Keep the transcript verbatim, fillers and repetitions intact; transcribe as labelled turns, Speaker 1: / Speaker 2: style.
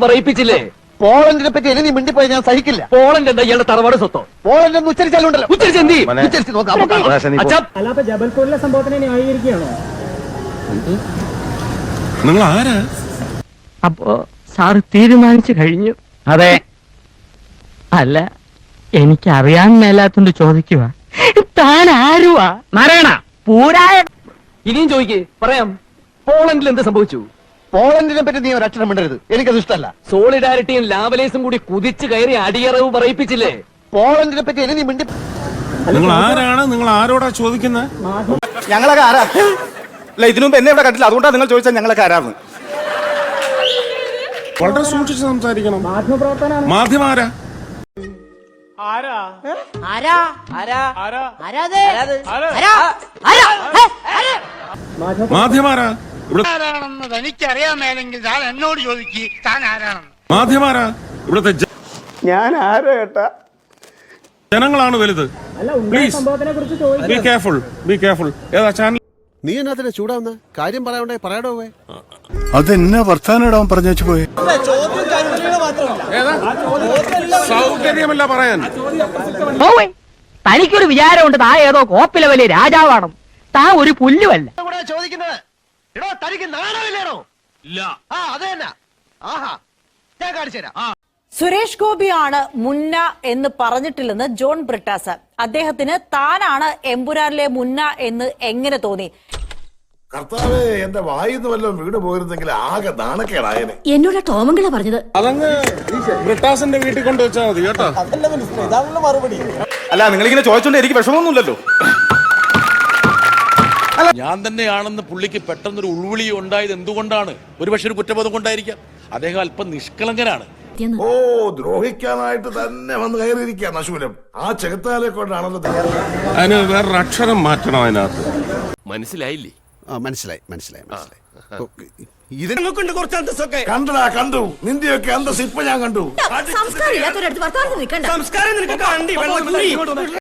Speaker 1: പറയിപ്പിച്ചില്ലേ?
Speaker 2: പോളണ്ടിനെ പറ്റി ഇനി നീ മിണ്ടിപ്പോയി ഞാൻ സഹിക്കില്ല.
Speaker 1: പോളണ്ട് എന്താ ഇയാളുടെ തറവാട് സ്വത്തോ?
Speaker 2: പോളണ്ട് എന്ന് ഉച്ചരിച്ചാലുണ്ടല്ലോ.
Speaker 1: ഉച്ചരിച്ച് എന്ത് ചെയ്യും?
Speaker 2: ഉച്ചരിച്ച് നോക്കാം. അപ്പൊ കാണാം.
Speaker 1: അച്ഛാ,
Speaker 3: അല്ല, അപ്പൊ ജബൽപൂരിലെ സംഭവത്തിനെ ന്യായീകരിക്കുകയാണോ?
Speaker 4: നിങ്ങൾ ആരാ?
Speaker 5: അപ്പോ സാറ് തീരുമാനിച്ചു കഴിഞ്ഞു?
Speaker 1: അതെ.
Speaker 5: അല്ല, എനിക്ക് അറിയാൻ മേലാത്തോണ്ട് ചോദിക്കുക, താൻ ആരുവാ?
Speaker 1: നാരായണ,
Speaker 5: പൂരായ
Speaker 1: ഇനിയും ചോദിക്കേ, പറയാം. പോളണ്ടിൽ എന്ത് സംഭവിച്ചു?
Speaker 2: പോളണ്ടിനെ പറ്റി നീ ഒരു അക്ഷരം മിണ്ടരുത്, എനിക്കത് ഇഷ്ടമല്ല.
Speaker 1: സോളിഡാരിറ്റിയും ലാവലേസും കൂടി കുതിച്ചു കയറി അടിയറവ് പറയിപ്പിച്ചില്ലേ?
Speaker 2: പോളണ്ടിനെ പറ്റി ഇനി നീ മിണ്ടി.
Speaker 4: നിങ്ങൾ ആരാണ്? നിങ്ങൾ ആരോടാ ചോദിക്കുന്നത്?
Speaker 6: ഞങ്ങളൊക്കെ ആരാ? അല്ല, ഇതിനു മുമ്പ് എന്നെ ഇവിടെ കണ്ടില്ല, അതുകൊണ്ടാണ് നിങ്ങൾ ചോദിച്ചാൽ ഞങ്ങളൊക്കെ ആരാന്ന്.
Speaker 4: വളരെ സൂക്ഷിച്ച് സംസാരിക്കണം.
Speaker 3: മാധ്യമപ്രവർത്തനം
Speaker 4: മാധ്യമാരാ? മാധ്യമാരാ? ഇവിടെ
Speaker 7: എനിക്കറിയാമേലെങ്കിൽ താൻ എന്നോട് ചോദിക്ക്, താൻ ആരാണെന്ന്.
Speaker 4: മാധ്യമാരാ? ഇവിടുത്തെ ജ-
Speaker 6: ഞാൻ ആരോ ഏട്ടാ?
Speaker 4: ജനങ്ങളാണ് വലുത്.
Speaker 3: അല്ല, ഉണ്ടായ
Speaker 4: Please.
Speaker 3: സംഭവത്തിനെ കുറിച്ച്
Speaker 4: ബി
Speaker 3: ചോദിക്കാം.
Speaker 4: Careful, be careful. ഏതാ ചാനൽ?
Speaker 8: നീ എന്നാ ചൂടാവുന്ന കാര്യം പറയാണ്ടേ പറയാടോ.
Speaker 9: അതെന്നാ വർത്താനം ഇടാൻ പറഞ്ഞു വെച്ച് പോയി.
Speaker 4: ഏതാ സൗകര്യമല്ല പറയാൻ.
Speaker 5: ഓവേ, തനിക്കൊരു വിചാരമുണ്ട് താ ഏതോ കോപ്പിലെ വലിയ രാജാവാണ്. താ ഒരു പുല്ലുമല്ല.
Speaker 2: ചോദിക്കുന്നത് എടോ, തനിക്ക് നാണമില്ലേണോ?
Speaker 4: ഇല്ല.
Speaker 2: ആ അത് തന്നെ. ആഹാ, ഞാൻ കാണിച്ചു തരാം.
Speaker 10: സുരേഷ് ഗോപിയാണ് മുന്ന എന്ന് പറഞ്ഞിട്ടില്ലെന്ന് ജോൺ ബ്രിട്ടാസ്. അദ്ദേഹത്തിന് താനാണ് എമ്പുരാനിലെ മുന്ന എന്ന് എങ്ങനെ തോന്നി?
Speaker 9: കർത്താവേ, എന്റെ വായിന്ന് വല്ലതും വീട് പോയിരുന്നെങ്കിൽ ആകെ നാണക്കേടായനെ.
Speaker 10: എന്നോട് ടോമങ്കള പറഞ്ഞത്.
Speaker 4: അതങ്ങ് ബ്രിട്ടാസിന്റെ വീട്ടിൽ കൊണ്ടുവച്ചാൽ മതി കേട്ടോ.
Speaker 6: അല്ല, നിങ്ങളിങ്ങനെ ചോദിച്ചോണ്ട് എനിക്ക് വിഷമമൊന്നുമില്ലല്ലോ.
Speaker 11: ഞാൻ തന്നെയാണെന്ന് പുള്ളിക്ക് പെട്ടെന്നൊരു ഉൾവിളി ഉണ്ടായത് എന്തുകൊണ്ടാണ്? ഒരുപക്ഷെ ഒരു കുറ്റബോധം കൊണ്ടായിരിക്കാം. അദ്ദേഹം അല്പം നിഷ്കളങ്കനാണ്.
Speaker 9: ഓ, ദ്രോഹിക്കാനായിട്ട് തന്നെ വന്ന് കയറിയിരിക്കുക നശൂലം. ആ ചെകുത്താലെ കൊണ്ടാണല്ലോ.
Speaker 4: അതിന് വേറൊരു അക്ഷരം മാറ്റണം അതിനകത്ത്.
Speaker 11: മനസ്സിലായില്ലേ?
Speaker 8: മനസ്സിലായി മനസ്സിലായി മനസ്സിലായി.
Speaker 9: കണ്ടടാ, കണ്ടു. നിന്റെയൊക്കെ അന്തസ് ഇപ്പൊ ഞാൻ കണ്ടു.
Speaker 10: സംസ്കാരം